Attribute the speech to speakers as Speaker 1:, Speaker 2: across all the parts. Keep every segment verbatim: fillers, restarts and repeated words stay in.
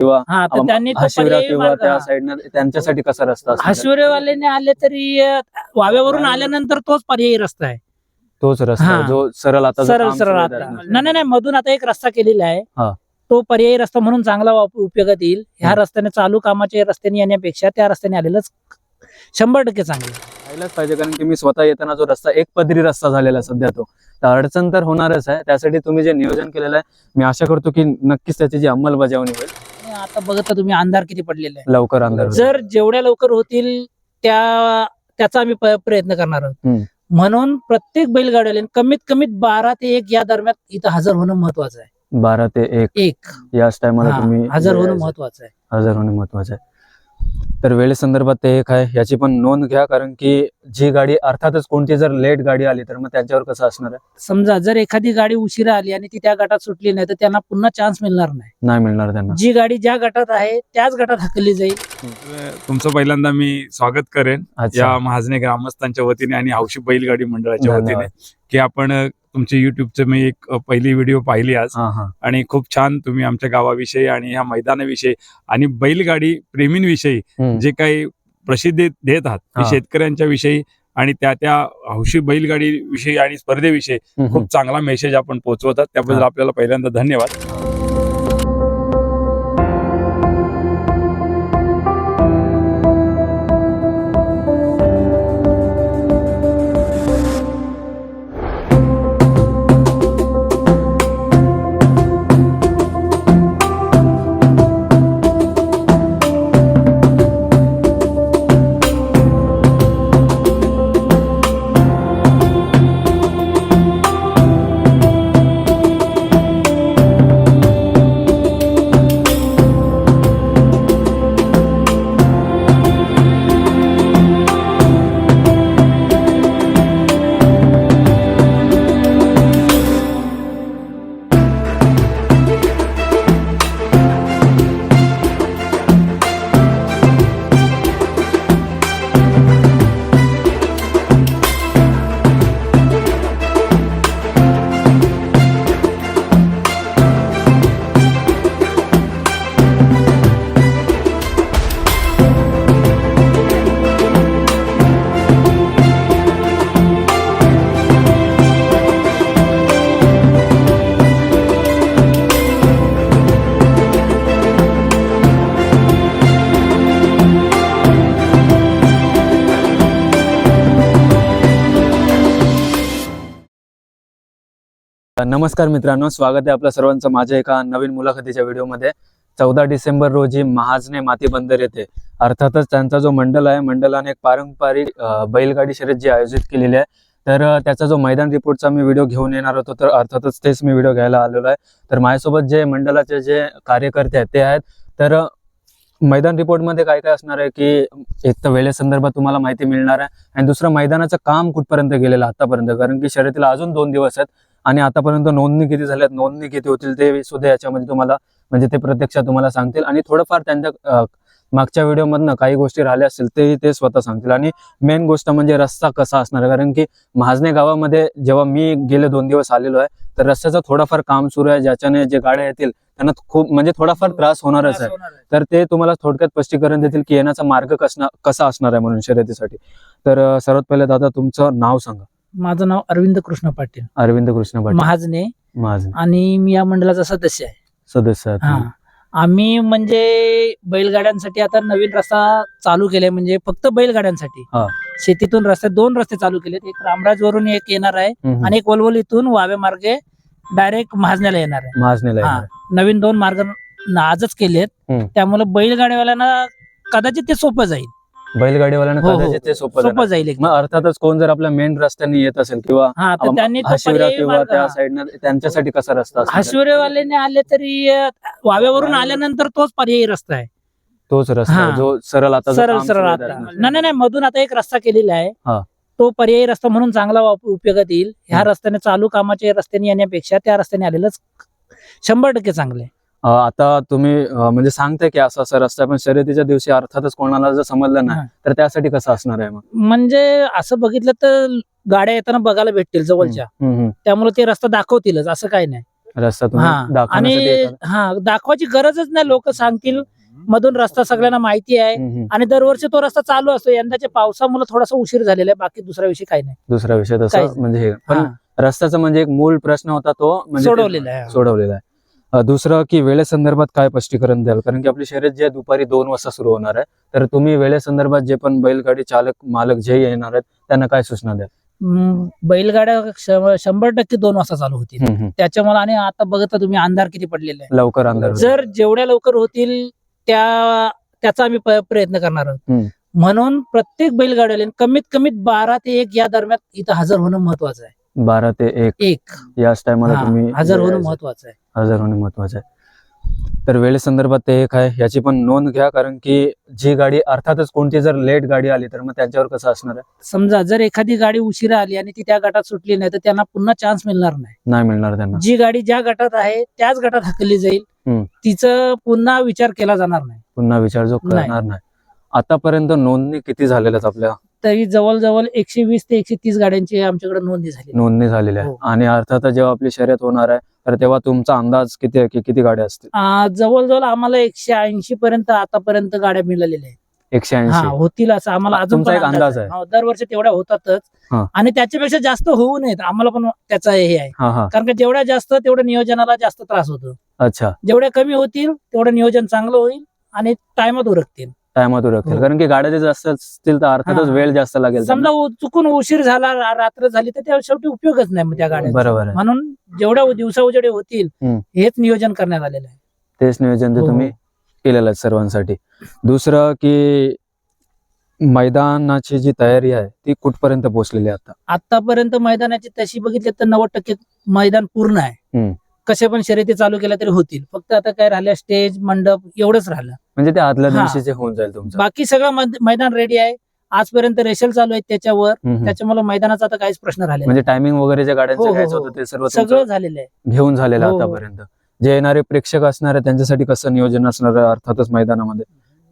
Speaker 1: किंवा
Speaker 2: हा तर त्यांनी तो
Speaker 1: हशिवरा
Speaker 2: पर्यायी
Speaker 1: किंवा
Speaker 2: मार्ग-
Speaker 1: त्या साईडनं त्यांच्यासाठी कसा रस्ता असणार आहे?
Speaker 2: हशिवरेवाल्याने आले तरी अं, वाव्यावरून आल्यानंतर तोच पर्यायी रस्ता आहे.
Speaker 1: तोच रस्ता आहे
Speaker 2: हा.
Speaker 1: जो सरळ आता जो
Speaker 2: सरळ
Speaker 1: काम
Speaker 2: सरळ
Speaker 1: सुरू आहे
Speaker 2: आता
Speaker 1: त्यातनं.
Speaker 2: नाही नाही नाही, मधून आता एक रस्ता केलेला आहे.
Speaker 1: हा.
Speaker 2: तो पर्यायी रस्ता म्हणून चांगला वाप- उपयोगात येईल. ह्या
Speaker 1: हम्म.
Speaker 2: रस्त्याने चालू कामाच्या रस्त्याने येण्यापेक्षा त्या रस्त्याने आलेलंच शंभर टक्के चांगलं.
Speaker 1: पाहिलंच पाहिजे, कारण की मी स्वतः येताना जो रस्ता एक पदरी रस्ता झालेला आहे सध्या, तो तर अडचण तर होणारच आहे. त्यासाठी तुम्ही जे नियोजन केलेलं आहे मी आशा करतो की नक्कीच त्याची जी अंमलबजावणी होईल.
Speaker 2: आणि आता बघता तुम्ही अंधार किती पडलेला आहे.
Speaker 1: लवकर अंधार होईल.
Speaker 2: जर जेवढ्या लवकर होतील त्या त्याचा आम्ही प- प्रयत्न करणार आहोत.
Speaker 1: हम्म.
Speaker 2: म्हणून प्रत्येक बैलगाड्याला कमीत कमीत बारा ते एक या दरम्यान इथं हजर होणं महत्वाचं आहे.
Speaker 1: बारा ते एक
Speaker 2: एक
Speaker 1: याच टायमाला
Speaker 2: हा,
Speaker 1: तुम्ही
Speaker 2: हजर होणं
Speaker 1: यायचं.
Speaker 2: महत्वाचं आहे.
Speaker 1: हजर होणे महत्वाचं आहे. तर वेळेसंदर्भात ते एक आहे, याची पण नोंद घ्या, कारण की जी गाडी अर्थातच कोणती जर लेट गाडी आली तर मग त्यांच्यावर कसं असणार आहे?
Speaker 2: समजा जर एखादी गाडी उशिरा आली आणि ती त्या गटात सुटली नाही तर त्यांना पुन्हा चान्स मिळणार नाही.
Speaker 1: नाही मिळणार त्यांना.
Speaker 2: जी गाडी ज्या गटात आहे त्याच गटात हकलली जाईल.
Speaker 3: तुमचं पहिल्यांदा मी स्वागत करेन
Speaker 1: अच्छा.
Speaker 3: या महाजने ग्रामस्थांच्या वतीने आणि हौशी बैलगाडी मंडळाच्या वतीने,
Speaker 1: धन्यवाद.
Speaker 3: की आपण अ, तुमचे युट्यूबचे मी एक अ, पहिली व्हिडिओ पाहिली आज
Speaker 1: हा हा
Speaker 3: आणि खूप छान तुम्ही आमच्या गावाविषयी आणि ह्या मैदानाविषयी आणि बैलगाडी प्रेमींविषयी
Speaker 1: हम्म.
Speaker 3: जे काही प्रसिद्धी देत आहात ते
Speaker 1: हा.
Speaker 3: शेतकऱ्यांच्या विषयी आणि त्या त्या हौशी बैलगाडी विषयी आणि स्पर्धेविषयी
Speaker 1: हम्म.
Speaker 3: खूप चांगला मेसेज आपण पोहोचवतात, त्याबद्दल
Speaker 1: हा.
Speaker 3: आपल्याला पहिल्यांदा धन्यवाद.
Speaker 1: नमस्कार मित्रांनो, स्वागत आहे आपल्या सर्वांचं माझ्या एका नवीन मुलाखतीच्या व्हिडिओमध्ये. चौदा डिसेंबर रोजी महाजने माती बंदर येथे अर्थातच त्यांचा जो मंडल आहे, मंडळाने एक पारंपरिक अ, बैलगाडी शर्यत जी आयोजित केलेली आहे, तर अ, त्याचा जो मैदान रिपोर्टचा मी व्हिडिओ घेऊन येणार होतो, तर अर्थातच तेच मी व्हिडिओ घ्यायला आलेलो आहे. तर माझ्यासोबत जे मंडळाचे जे कार्यकर्ते आहेत ते आहेत. तर अ, मैदान रिपोर्टमध्ये काय काय असणार आहे की एक तर वेळेसंदर्भात तुम्हाला माहिती मिळणार आहे, आणि दुसरं मैदानाचं काम कुठपर्यंत गेलेलं आतापर्यंत, कारण की शर्यतीला अजून दोन दिवस आहेत आणि आतापर्यंत नोंदणी किती झाल्यात, नोंदणी किती होतील ते सुद्धा याच्यामध्ये तुम्हाला म्हणजे ते प्रत्यक्षात तुम्हाला सांगतील. आणि थोडंफार त्यांच्या अ, मागच्या व्हिडिओमधनं काही गोष्टी राहिल्या असतील ते ते स्वतः सांगतील. आणि मेन गोष्ट म्हणजे रस्ता कसा असणार आहे, कारण की महाजने गावामध्ये जेव्हा मी गेले दोन दिवस आलेलो आहे तर रस्त्याचं थोडंफार काम सुरू आहे, ज्याच्याने जे गाड्या येतील त्यांना खूप म्हणजे थोडाफार त्रास होणारच आहे. तर ते तुम्हाला थोडक्यात स्पष्टीकरण देतील की येण्याचा मार्ग कसा कसा असणार आहे म्हणून शर्यतीसाठी. तर अ, सर्वात पहिले दादा तुमचं नाव सांगा.
Speaker 2: माझं नाव अरविंद कृष्ण पाटील,
Speaker 1: अरविंद कृष्ण पाटील,
Speaker 2: महाजने,
Speaker 1: महाजन
Speaker 2: आणि मी या मंडळाचा सदस्य आहे.
Speaker 1: सदस्य आहेत
Speaker 2: हा
Speaker 1: तुम्ही.
Speaker 2: आम्ही म्हणजे बैलगाड्यांसाठी आता नवीन रस्ता चालू केलाय, म्हणजे फक्त बैलगाड्यांसाठी.
Speaker 1: हा.
Speaker 2: शेतीतून रस्ते दोन रस्ते चालू केलेत. एक रामराज वरून एक येणार आहे
Speaker 1: हम्म.
Speaker 2: आणि एक वलवलीतून वावे मार्गे डायरेक्ट महाजण्याला येणार आहे.
Speaker 1: महाजनेला
Speaker 2: हा
Speaker 1: येणार आहे.
Speaker 2: नवीन दोन मार्ग न- आजच केलेत.
Speaker 1: हम्म.
Speaker 2: त्यामुळे बैलगाड्यावाल्यांना कदाचित ते सोपं जाईल.
Speaker 1: बैलगाडीवाल्यांना
Speaker 2: हो, हो.
Speaker 1: कदाचित ते सोपं
Speaker 2: सोपं
Speaker 1: जाणार.
Speaker 2: जाईल एकदम.
Speaker 1: मग अर्थातच कोण जर आपल्या मेन रस्त्याने येत असेल किंवा
Speaker 2: हा तर त्यांनी तो
Speaker 1: हशिवरा
Speaker 2: पर्यायी
Speaker 1: किंवा
Speaker 2: मार्ग-
Speaker 1: त्या साईडनं त्यांच्यासाठी कसा रस्ता असणार आहे?
Speaker 2: हशिवरेवाल्याने आले तरी अं, वाव्यावरून आल्यानंतर तोच पर्यायी रस्ता आहे.
Speaker 1: तोच रस्ता आहे
Speaker 2: हा.
Speaker 1: जो सरळ आता जो
Speaker 2: सरळ
Speaker 1: काम
Speaker 2: सरळ
Speaker 1: सुरू आहे
Speaker 2: आता
Speaker 1: त्यातनं.
Speaker 2: नाही नाही नाही, मधून आता एक रस्ता केलेला आहे.
Speaker 1: हा.
Speaker 2: तो पर्यायी रस्ता म्हणून चांगला वाप- उपयोगात येईल. ह्या
Speaker 1: हम्म.
Speaker 2: रस्त्याने चालू कामाच्या रस्त्याने येण्यापेक्षा त्या रस्त्याने आलेलंच शंभर टक्के चांगले.
Speaker 1: अ, आता तुम्ही अ, म्हणजे सांगताय की असा असा रस्ता आहे, पण शर्यतीच्या दिवशी अर्थातच कोणाला जर समजलं नाही
Speaker 2: हा.
Speaker 1: तर त्यासाठी कसं असणार आहे मग?
Speaker 2: म्हणजे असं बघितलं तर गाड्या येताना बघायला भेटतील जवळच्या,
Speaker 1: हम्म, हम्म.
Speaker 2: त्यामुळे ते रस्ता दाखवतीलच असं काही नाही.
Speaker 1: रस्ता तुम्ही
Speaker 2: हा आणि
Speaker 1: दाखवण्यासाठी एखादा-
Speaker 2: हा दाखवायची गरजच नाही. लोक सांगतील मधून रस्ता सगळ्यांना माहिती आहे
Speaker 1: हम्म, हम्म.
Speaker 2: आणि दरवर्षी तो रस्ता चालू असतो. यंदाच्या पावसामुळे थोडासा उशीर झालेला आहे, बाकी दुसरा विषय काही नाही.
Speaker 1: दुसरा विषय
Speaker 2: काहीच
Speaker 1: तसं
Speaker 2: नाही.
Speaker 1: म्हणजे हे पण
Speaker 2: हा,
Speaker 1: रस्त्याचा म्हणजे एक मूळ प्रश्न होता तो म्हणजे ते
Speaker 2: सोडवलेला आहे.
Speaker 1: सोडवलेला आहे. अ, दुसरं की वेळेसंदर्भात काय स्पष्टीकरण द्याल, कारण की आपली शर्यत जी आहे दुपारी दोन वाजता सुरू होणार आहे, तर तुम्ही वेळेसंदर्भात जे पण बैलगाडी चालक मालक जे येणार आहेत त्यांना काय सूचना द्याल?
Speaker 2: हम्म, बैलगाड्या श- शंभर टक्के दोन वाजता चालू होतील.
Speaker 1: हम्म, हम्म.
Speaker 2: त्याच्यामुळे आणि आता बघता तुम्ही अंधार किती पडलेला आहे.
Speaker 1: लवकर अंधार होईल.
Speaker 2: जर जेवढ्या लवकर होतील त्या त्याचा आम्ही प- प्रयत्न करणार आहोत.
Speaker 1: हम्म.
Speaker 2: म्हणून प्रत्येक बैलगाड्याला कमीत कमीत बारा ते एक या दरम्यान इथं हजर होणं महत्वाचं आहे.
Speaker 1: बारा ते एक
Speaker 2: एक
Speaker 1: याच टायमाला
Speaker 2: हा,
Speaker 1: तुम्ही
Speaker 2: हजर होणं
Speaker 1: यायचं.
Speaker 2: महत्वाचं आहे.
Speaker 1: हजर होणे महत्वाचं आहे. तर वेळेसंदर्भात ते एक आहे, याची पण नोंद घ्या, कारण की जी गाडी अर्थातच कोणती जर लेट गाडी आली तर मग त्यांच्यावर कसं असणार आहे?
Speaker 2: समजा जर एखादी गाडी उशिरा आली आणि ती त्या गटात सुटली नाही तर त्यांना पुन्हा चान्स मिळणार नाही.
Speaker 1: नाही मिळणार त्यांना.
Speaker 2: जी गाडी ज्या गटात आहे त्याच गटात हकलली जाईल.
Speaker 1: हम्म.
Speaker 2: तिचं पुन्हा विचार केला जाणार नाही.
Speaker 1: पुन्हा विचार जो
Speaker 2: नाही.
Speaker 1: करणार नाही. आतापर्यंत नोंदणी किती झालेल्या आहेत आपल्या?
Speaker 2: तरी जवळजवळ एकशे वीस ते एकशे तीस गाड्यांची आमच्याकडे नोंदणी झाली.
Speaker 1: नोंदणी झालेल्या आहे.
Speaker 2: हो.
Speaker 1: आणि अर्थातच जेव्हा आपली शर्यत होणार आहे तर तेव्हा तुमचा अंदाज किती आहे की किती गाड्या असतील?
Speaker 2: आ, जवळजवळ आम्हाला एकशे ऐंशी पर्यंत आतापर्यंत गाड्या मिळालेल्या आहेत.
Speaker 1: एकशे
Speaker 2: हा
Speaker 1: ऐंशी
Speaker 2: होतील असं आम्हाला अजून
Speaker 1: तुमचा
Speaker 2: पण
Speaker 1: एक अंदाज आहे.
Speaker 2: हो, दरवर्षी तेवढ्या होतातच
Speaker 1: हा.
Speaker 2: आणि त्याच्यापेक्षा जास्त होऊ नयेत आम्हाला पण त्याचा हे आहे.
Speaker 1: हा हा
Speaker 2: कारण का जेवढ्या जास्त तेवढ्या नियोजनाला जास्त त्रास होतो.
Speaker 1: अच्छा.
Speaker 2: जेवढ्या कमी होतील तेवढं नियोजन चांगलं होईल आणि टायमात उरकतील.
Speaker 1: टायमात उरकतील,
Speaker 2: हो.
Speaker 1: कारण की गाड्या जर जास्त असतील तर अर्थातच
Speaker 2: हा.
Speaker 1: वेळ जास्त लागेल त्यांना.
Speaker 2: समजा उ- चुकून उशीर झाला रा- रात्र झाली तर त्या शेवटी उपयोगच नाही मग त्या गाड्या.
Speaker 1: बरोबर आहे.
Speaker 2: म्हणून जेवढ्या दिवसा उजेडे होतील
Speaker 1: हम्म.
Speaker 2: हेच नियोजन करण्यात आलेलं आहे.
Speaker 1: तेच नियोजन ते
Speaker 2: हो.
Speaker 1: तुम्ही केलेलं आहे सर्वांसाठी. दुसरं की मैदानाची जी तयारी आहे ती कुठपर्यंत पोहोचलेली आहे आता?
Speaker 2: आतापर्यंत मैदानाची तशी बघितली तर नव्वद टक्के मैदान पूर्ण आहे.
Speaker 1: हम्म.
Speaker 2: कसे पण शर्यती चालू केल्या तरी होतील. फक्त आता काय राहिलं स्टेज मंडप एवढंच राहिलं.
Speaker 1: म्हणजे ते आदल्या
Speaker 2: हा.
Speaker 1: दिवशीचे होऊन जाईल तुमचं.
Speaker 2: बाकी सगळं मैद- मैदान रेडी आहे. आजपर्यंत रेशल चालू आहे त्याच्यावर.
Speaker 1: हम्म, हम्म.
Speaker 2: त्याच्यामुळे मैदानाचा आता काहीच प्रश्न राहिला
Speaker 1: म्हणजे टायमिंग वगैरे ज्या
Speaker 2: हो,
Speaker 1: गाड्यांचं
Speaker 2: हो,
Speaker 1: घ्यायचं
Speaker 2: हो.
Speaker 1: होतं ते सर्व
Speaker 2: सगळं
Speaker 1: तुमचं
Speaker 2: झालेलं आहे.
Speaker 1: घेऊन झालेलं आहे
Speaker 2: हो, हो.
Speaker 1: आतापर्यंत. जे येणारे प्रेक्षक असणार आहे त्यांच्यासाठी कसं नियोजन असणार आहे अर्थातच मैदानामध्ये?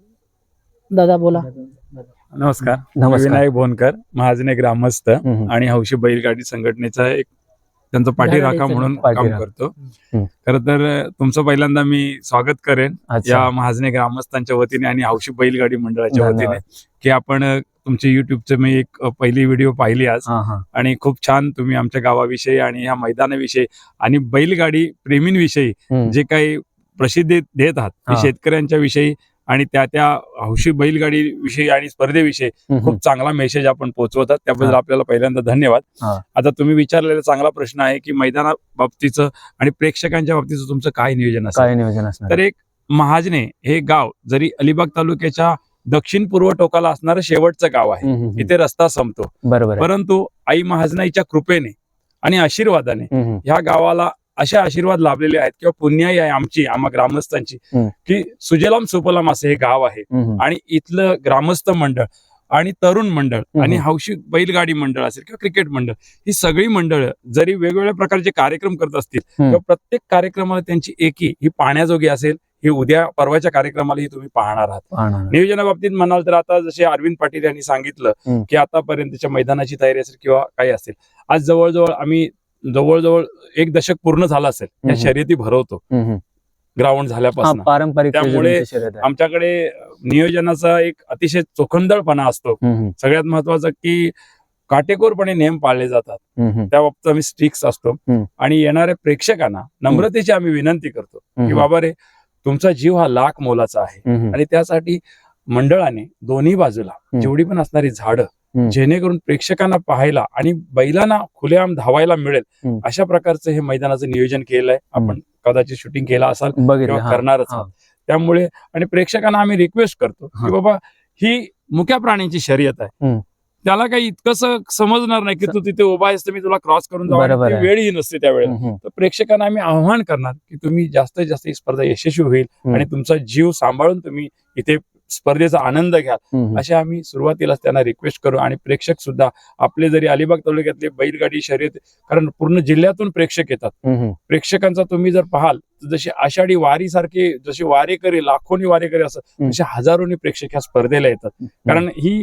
Speaker 2: दादा बोला.
Speaker 3: नमस्कार. मी
Speaker 1: नमस्कार.
Speaker 3: विनायक भोनकर, महाजने ग्रामस्थ
Speaker 1: हम्म, हम्म.
Speaker 3: आणि हौशी बैलगाडी संघटनेचा एक त्यांचा पाठीराखा
Speaker 2: धडाडीचा
Speaker 3: म्हणून काम
Speaker 1: पाठीराखा.
Speaker 3: करतो.
Speaker 1: हम्म.
Speaker 3: खर तर तुमचं पहिल्यांदा मी स्वागत करेन
Speaker 1: अच्छा.
Speaker 3: या महाजने ग्रामस्थांच्या वतीने आणि हौशी बैलगाडी मंडळाच्या वतीने,
Speaker 1: धन्यवाद.
Speaker 3: की आपण अ, तुमचे युट्यूबचे मी एक अ, पहिली व्हिडिओ पाहिली आज
Speaker 1: हा हा
Speaker 3: आणि खूप छान तुम्ही आमच्या गावाविषयी आणि ह्या मैदानाविषयी आणि बैलगाडी प्रेमींविषयी
Speaker 1: हम्म.
Speaker 3: जे काही प्रसिद्धी देत आहात ते
Speaker 1: हा.
Speaker 3: शेतकऱ्यांच्या विषयी आणि त्या त्या हौशी बैलगाडी विषयी आणि स्पर्धेविषयी
Speaker 1: हम्म,
Speaker 3: खूप चांगला मेसेज आपण पोहोचवतात. त्याबद्दल
Speaker 1: हा.
Speaker 3: आपल्याला पहिल्यांदा धन्यवाद.
Speaker 1: हा.
Speaker 3: आता तुम्ही विचारलेला चांगला प्रश्न आहे की मैदाना बाबतीचं आणि प्रेक्षकांच्या बाबतीचं तुमचं काय नियोजन असेल.
Speaker 1: काय नियोजन असणार?
Speaker 3: तर एक महाजने हे गाव जरी अलिबाग तालुक्याच्या दक्षिण पूर्व टोकाला असणारं शेवटचं गाव आहे.
Speaker 1: हम्म, हम्म, हम्म.
Speaker 3: इथे रस्ता संपतो,
Speaker 1: बरोबर आहे.
Speaker 3: परंतु आई महाजनाईच्या कृपेने आणि आशीर्वादाने
Speaker 1: हम्म, हम्म.
Speaker 3: ह्या गावाला असे आशीर्वाद लाभलेले आहेत किंवा पुण्याई आहे आमची आम्हा ग्रामस्थांची,
Speaker 1: हम्म.
Speaker 3: की सुजलाम सुफलाम असं हे गाव आहे.
Speaker 1: हम्म, हम्म.
Speaker 3: आणि इथलं ग्रामस्थ मंडळ आणि तरुण मंडळ
Speaker 1: हम्म.
Speaker 3: आणि हौशी बैलगाडी मंडळ असेल किंवा क्रिकेट मंडळ, ही सगळी मंडळ जरी वेगवेगळ्या प्रकारचे कार्यक्रम करत असतील
Speaker 1: हम्म.
Speaker 3: किंवा प्रत्येक कार्यक्रमाला त्यांची एकी ही पाहण्याजोगी असेल. ही उद्या परवाच्या कार्यक्रमाला ही तुम्ही पाहणार आहात.
Speaker 1: पाहणार.
Speaker 3: नियोजनाबाबतीत म्हणाल तर आता जसे अरविंद पाटील यांनी सांगितलं
Speaker 1: हम्म.
Speaker 3: की आतापर्यंतच्या मैदानाची तयारी असेल किंवा काही असेल, आज जवळजवळ आम्ही जवळजवळ एक दशक पूर्ण झालं असेल या
Speaker 1: हम्म.
Speaker 3: शर्यती भरवतो
Speaker 1: हम्म, हम्म.
Speaker 3: ग्राउंड
Speaker 1: हा,
Speaker 3: झाल्यापासून.
Speaker 1: पारंपरिक
Speaker 3: त्यामुळे
Speaker 1: पद्धतीची शर्यत आहे.
Speaker 3: आमच्याकडे नियोजनाचा एक अतिशय चोखंदळपणा असतो.
Speaker 1: हम्म, हम्म.
Speaker 3: सगळ्यात महत्वाचं की काटेकोरपणे नियम पाळले जातात.
Speaker 1: हम्म, हम्म.
Speaker 3: त्या बाबतीत आम्ही स्ट्रिक्स असतो
Speaker 1: हम्म.
Speaker 3: आणि येणाऱ्या प्रेक्षकांना नम्रतेची आम्ही विनंती करतो की
Speaker 1: हम्म.
Speaker 3: बाबा रे, तुमचा जीव हा लाख मोलाचा आहे
Speaker 1: हम्म, हम्म.
Speaker 3: आणि त्यासाठी मंडळाने दोन्ही बाजूला
Speaker 1: हम्म.
Speaker 3: जेवढी पण असणारी झाडं
Speaker 1: हम्म.
Speaker 3: जेणेकरून प्रेक्षकांना पाहायला आणि बैलांना खुलेआम धावायला मिळेल
Speaker 1: हम्म.
Speaker 3: अशा प्रकारचं हे मैदानाचं नियोजन केलंय. आपण कदाचित शूटिंग केला असाल
Speaker 1: बघितलं.
Speaker 3: किंवा
Speaker 1: हा.
Speaker 3: करणारच
Speaker 1: हा.
Speaker 3: आहात. त्यामुळे आणि प्रेक्षकांना आम्ही रिक्वेस्ट करतो
Speaker 1: हा.
Speaker 3: की बाबा ही मुक्या प्राण्यांची शर्यत आहे.
Speaker 1: हम्म.
Speaker 3: त्याला काही इतकंस समजणार नाही की तू तिथे उभा आहेस तर मी तुला क्रॉस करून जाऊ,
Speaker 1: बरोबर
Speaker 3: आणि ती
Speaker 1: आहे.
Speaker 3: वेळही नसते त्यावेळेला.
Speaker 1: हम्म, हम्म.
Speaker 3: तर प्रेक्षकांना आम्ही आव्हान करणार की तुम्ही जास्तीत जास्त ही स्पर्धा यशस्वी होईल
Speaker 1: हम्म.
Speaker 3: आणि तुमचा जीव सांभाळून तुम्ही इथे स्पर्धेचा आनंद घ्या,
Speaker 1: हम्म, हम्म.
Speaker 3: असे आम्ही सुरुवातीलाच त्यांना रिक्वेस्ट करू. आणि प्रेक्षक सुद्धा आपले जरी अलिबाग तालुक्यातले बैलगाडी शर्यत, कारण पूर्ण जिल्ह्यातून प्रेक्षक येतात,
Speaker 1: हम्म, हम्म.
Speaker 3: प्रेक्षकांचा तुम्ही जर पाहाल तर जशी आषाढी वारी सारखे जसे वारेकरी लाखोनी वारेकरी असतात
Speaker 1: हम्म.
Speaker 3: तसे हजारोनी प्रेक्षक ह्या स्पर्धेला येतात. कारण ही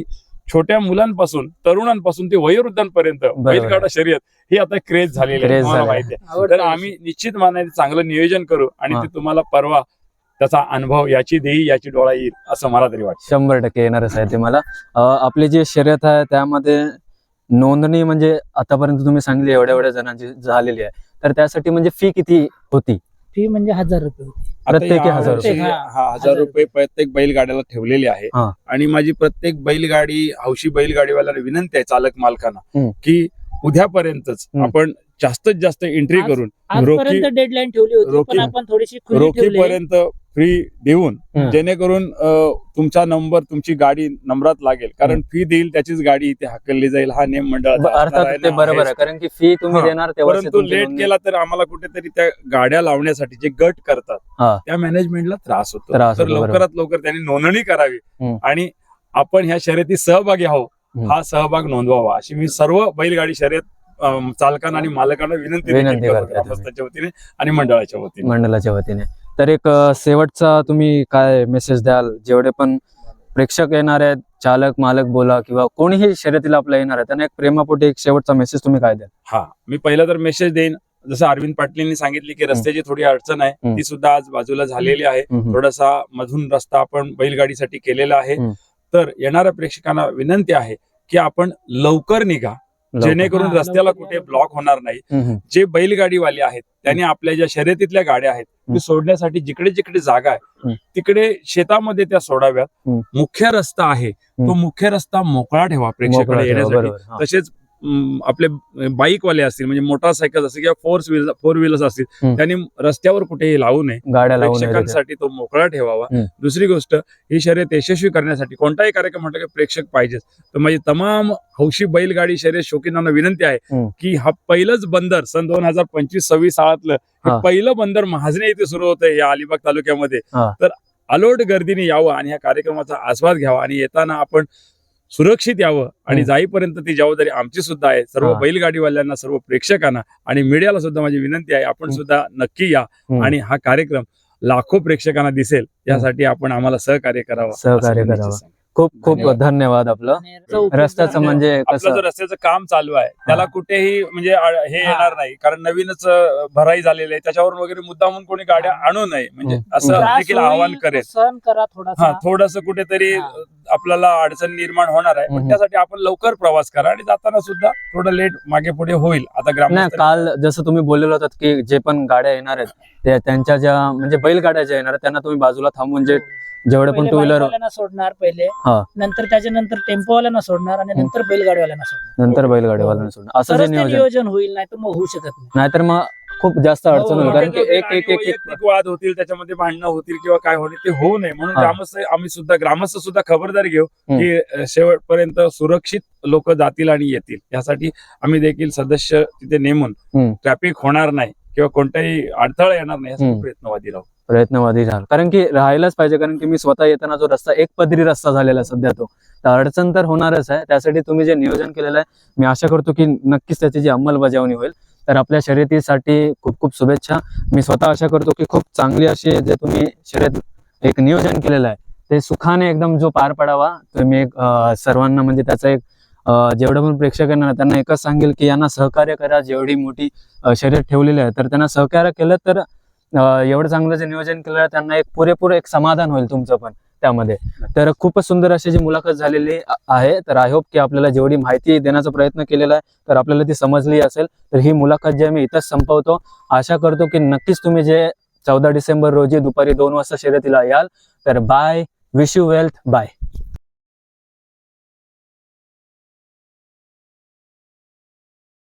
Speaker 3: छोट्या मुलांपासून तरुणांपासून ते वयोवृद्धांपर्यंत बैलगाडा शर्यत ही आता क्रेज झालेली आहे,
Speaker 1: क्रेज
Speaker 3: तुम्हाला
Speaker 1: झाली
Speaker 3: माहिती आहे.
Speaker 2: आवडतं
Speaker 3: तर आम्ही निश्चित मानाने चांगलं नियोजन करू आणि
Speaker 1: हा.
Speaker 3: ते तुम्हाला परवा त्याचा अनुभव याची देही याची डोळा येईल असं मला तरी वाटतं.
Speaker 1: शंभर टक्के येणारच आहे ते मला. अं, आपली जी शर्यत आहे त्यामध्ये नोंदणी म्हणजे आतापर्यंत तुम्ही सांगली एवढ्या एवढ्या जणांची झालेली आहे, तर त्यासाठी म्हणजे फी किती होती?
Speaker 2: फी म्हणजे हजार रुपये होती.
Speaker 3: आता
Speaker 1: प्रत्येकी
Speaker 3: या
Speaker 1: हजार
Speaker 3: वर्षी
Speaker 2: रुपये.
Speaker 3: हा हजार
Speaker 2: हजार
Speaker 3: रुपये प्रत्येक बैलगाड्याला ठेवलेले आहे.
Speaker 1: हा.
Speaker 3: आणि माझी प्रत्येक बैलगाडी हौशी बैलगाडीवाल्याला विनंती आहे चालक मालकांना
Speaker 1: हम्म.
Speaker 3: की उद्यापर्यंतच
Speaker 1: हम्म.
Speaker 3: आपण जास्तीत जास्त एंट्री
Speaker 2: आज-
Speaker 3: करून
Speaker 2: आजपर्यंत डेडलाईन ठेवली होती,
Speaker 3: रोखी-
Speaker 2: पण आपण थोडीशी खुली ठेवली.
Speaker 3: रोखीपर्यंत फ्री देऊन
Speaker 1: हम्म.
Speaker 3: जेणेकरून अ, तुमचा नंबर तुमची गाडी नंबरात लागेल, कारण फी देईल त्याचीच गाडी इथे हाकलली जाईल हा नियम मंडळाचा असणार
Speaker 1: अर्थात
Speaker 3: आहे
Speaker 1: ते
Speaker 3: ना,
Speaker 1: बरोबर
Speaker 3: आहेच.
Speaker 1: आहे, कारण की फी तुम्ही
Speaker 3: हा.
Speaker 1: देणार तेव्हा
Speaker 3: परंतु लेट केला तर आम्हाला कुठेतरी त्या गाड्या लावण्यासाठी जे गट
Speaker 1: हा.
Speaker 3: करतात त्या मॅनेजमेंटला त्रास होतो.
Speaker 1: त्रास
Speaker 3: तर
Speaker 1: होतो, बरोबर.
Speaker 3: लवकरात लवकर त्यांनी नोंदणी करावी
Speaker 1: हम्म.
Speaker 3: आणि आपण ह्या शर्यतीत सहभागी आहोत
Speaker 1: हम्म.
Speaker 3: हा सहभाग नोंदवावा अशी मी सर्व बैलगाडी शर्यत अम, चालकांना आणि मालकांना विनंती देखील
Speaker 1: विनंती
Speaker 3: करतो,
Speaker 1: करतो.
Speaker 3: ग्रामस्थांच्या वतीने आणि मंडळाच्या वतीने.
Speaker 1: मंडळाच्या वतीने. तर एक अं, शेवटचा तुम्ही काय मेसेज द्याल जेवढे पण प्रेक्षक येणार आहेत, चालक मालक बोला किंवा कोणीही शर्यतीला आपला येणार आहे, त्यांना एक प्रेमापोटी एक शेवटचा मेसेज तुम्ही काय द्याल?
Speaker 3: हा मी पहिला तर मेसेज देईन, जसं अरविंद पाटलींनी सांगितले की रस्त्याची थोडी अडचण आहे,
Speaker 1: हम्म.
Speaker 3: ती सुद्धा आज बाजूला झालेली आहे.
Speaker 1: हम्म.
Speaker 3: थोडासा मधून रस्ता आपण बैलगाडीसाठी केलेला आहे.
Speaker 1: हम्म.
Speaker 3: तर येणाऱ्या प्रेक्षकांना विनंती आहे की आपण लवकर निघा,
Speaker 1: लवकर.
Speaker 3: जेणेकरून
Speaker 2: हा,
Speaker 3: रस्त्याला
Speaker 2: लवकर
Speaker 3: कुठे
Speaker 2: या.
Speaker 3: ब्लॉक होणार नाही.
Speaker 1: हम्म.
Speaker 3: जे बैलगाडीवाले आहेत त्यांनी आपल्या ज्या शर्यतीतल्या गाड्या आहेत
Speaker 1: हम्म.
Speaker 3: ती सोडण्यासाठी जिकडे जिकडे जागा आहे
Speaker 1: हम्म.
Speaker 3: तिकडे शेतामध्ये त्या सोडाव्यात.
Speaker 1: हम्म.
Speaker 3: मुख्य रस्ता आहे तो
Speaker 1: हम्म.
Speaker 3: मुख्य रस्ता मोकळा ठेवा
Speaker 1: मोकळा
Speaker 3: प्रेक्षकांना
Speaker 1: ठेवा,
Speaker 3: येण्यासाठी.
Speaker 1: बरोबर. हा.
Speaker 3: तसेच अं, आपले बाईकवाले असतील म्हणजे मोटरसायकल असतील किंवा फोर व्हीलर फोर व्हीलर्स असतील
Speaker 1: हम्म.
Speaker 3: त्यांनी रस्त्यावर कुठेही लावू नये,
Speaker 1: गाड्या लावून
Speaker 3: प्रेक्षकांसाठी तो मोकळा ठेवावा.
Speaker 1: हम्म.
Speaker 3: दुसरी गोष्ट, ही शर्यत यशस्वी करण्यासाठी कोणताही कार्यक्रम म्हटलं की प्रेक्षक पाहिजेच. तर माझी तमाम हौशी बैलगाडी शर्यत शौकीनांना विनंती आहे
Speaker 1: हम्म.
Speaker 3: की हा पहिलंच बंदर सन दोन हजार पंचवीस सव्वीस सालातलं हे
Speaker 1: हा.
Speaker 3: पहिलं बंदर महाजने येथे सुरू होतंय या अलिबाग तालुक्यामध्ये.
Speaker 1: हा.
Speaker 3: तर अलोट गर्दीने यावं आणि या कार्यक्रमाचा आस्वाद घ्यावा आणि येताना आपण सुरक्षित यावं आणि
Speaker 1: हम्म.
Speaker 3: जाईपर्यंत ती जबाबदारी आमची सुद्धा आहे. सर्व
Speaker 1: हा.
Speaker 3: बैलगाडीवाल्यांना, सर्व प्रेक्षकांना आणि मीडियाला सुद्धा माझी विनंती आहे, आपण
Speaker 1: हम्म.
Speaker 3: सुद्धा नक्की या
Speaker 1: हम्म.
Speaker 3: आणि हा कार्यक्रम लाखो प्रेक्षकांना दिसेल यासाठी आपण आम्हाला सहकार्य करावं.
Speaker 1: सहकार्य
Speaker 3: असं मी
Speaker 1: करावं.
Speaker 3: निश्चित सांगेन.
Speaker 1: खूप खूप
Speaker 2: धन्यवाद.
Speaker 1: धन्यवाद आपलं.
Speaker 2: आणि याचा उपयोग
Speaker 1: रस्त्याचं
Speaker 2: करून-
Speaker 1: म्हणजे
Speaker 3: आपलं
Speaker 1: कसं
Speaker 3: जो रस्त्याचं काम चालू आहे त्याला कुठेही म्हणजे आ- हे
Speaker 2: हा.
Speaker 3: येणार नाही, कारण नवीनच अं, भराई झालेली आहे, त्याच्यावरून वगैरे मुद्दामून कोणी गाड्या आणू नये म्हणजे
Speaker 1: हम्म.
Speaker 3: असं
Speaker 2: त्रास
Speaker 3: देखील
Speaker 2: होईल,
Speaker 3: आवाहन करेल.
Speaker 2: तो सहन करा
Speaker 3: हा
Speaker 2: थोडासा.
Speaker 3: थोडस कुठेतरी
Speaker 2: हा.
Speaker 3: आपल्याला अडचण निर्माण होणार आहे, पण
Speaker 1: हम्म.
Speaker 3: त्यासाठी आपण लवकर प्रवास करा आणि जाताना सुद्धा थोडं लेट मागे पुढे होईल. आता
Speaker 1: नाही,
Speaker 3: ग्रामस्थ
Speaker 1: काल जसं तुम्ही बोललेलं होतात की जे पण गाड्या येणार आहेत ते त्यांच्या ज्या म्हणजे बैलगाड्या ज्या येणार आहेत त्यांना तुम्ही बाजूला थांबून जे जेवढे पण
Speaker 2: पहिले
Speaker 1: टू व्हीलर
Speaker 2: बाईकवाल्यांना सोडणार पहिले,
Speaker 1: हा.
Speaker 2: नंतर त्याच्यानंतर टेम्पोवाल्यांना सोडणार आणि नंतर बैलगाडीवाल्यांना सोडणार.
Speaker 1: नंतर बैलगाडीवाल्यांना सोडणं असं जे
Speaker 2: तरच ते
Speaker 1: नियोजन,
Speaker 2: नियोजन होईल, नाही तर मग होऊ शकत नाही.
Speaker 1: नाहीतर मग खूप जास्त अडचण
Speaker 2: हो,
Speaker 1: होईल,
Speaker 2: हो.
Speaker 1: कारण की एक
Speaker 3: आणि
Speaker 1: एक एक एक
Speaker 3: वैयक्तिक वाद होतील, त्याच्यामध्ये भांडणं होतील किंवा काय होईल ते होऊ नये म्हणून
Speaker 1: हा.
Speaker 3: ग्रामस्थ आम्ही सुद्धा ग्रामस्थ सुद्धा खबरदारी घेऊ
Speaker 1: हम्म.
Speaker 3: की अं, शेवटपर्यंत सुरक्षित लोक जातील आणि येतील. यासाठी आम्ही देखील सदस्य तिथे नेमून
Speaker 1: हम्म.
Speaker 3: ट्रॅफिक होणार नाही किंवा कोणताही अडथळा येणार नाही यासाठी
Speaker 1: हम्म.
Speaker 3: प्रयत्नवादी राहू.
Speaker 1: प्रयत्नवादी राहाल, कारण की राहायलाच पाहिजे, कारण की मी स्वतः येताना जो रस्ता एक पदरी रस्ता झालेला आहे सध्या, तो तर अडचण तर होणारच आहे. त्यासाठी तुम्ही जे नियोजन केलेलं आहे मी आशा करतो की नक्कीच त्याची जी अंमलबजावणी होईल. तर आपल्या शर्यतीसाठी खूप खूप शुभेच्छा. मी स्वतः आशा करतो की खूप चांगली अशी जे तुम्ही शर्यत एक नियोजन केलेलं आहे ते सुखाने एकदम जो पार पडावा. तर मी एक अं, सर्वांना म्हणजे त्याचा एक अं, जेवढं पण प्रेक्षक येणार त्यांना एकच सांगेल की यांना सहकार्य करा. जेवढी मोठी अं, शर्यत ठेवलेली आहे तर त्यांना सहकार्य केलं तर अं, एवढं चांगलं जे नियोजन केलं आहे त्यांना एक पुरेपूर एक समाधान होईल तुमचं पण त्यामध्ये. तर खूपच सुंदर अशी जी मुलाखत झालेली आ- आहे. तर आय होप की आपल्याला जेवढी माहिती देण्याचा प्रयत्न केलेला आहे तर आपल्याला ती समजली असेल. तर ही मुलाखत जी आहे मी इथंच संपवतो. आशा करतो की नक्कीच तुम्ही जे चौदा डिसेंबर रोजी दुपारी दोन वाजता शर्यतीला याल. तर bye, wish you wealth, bye.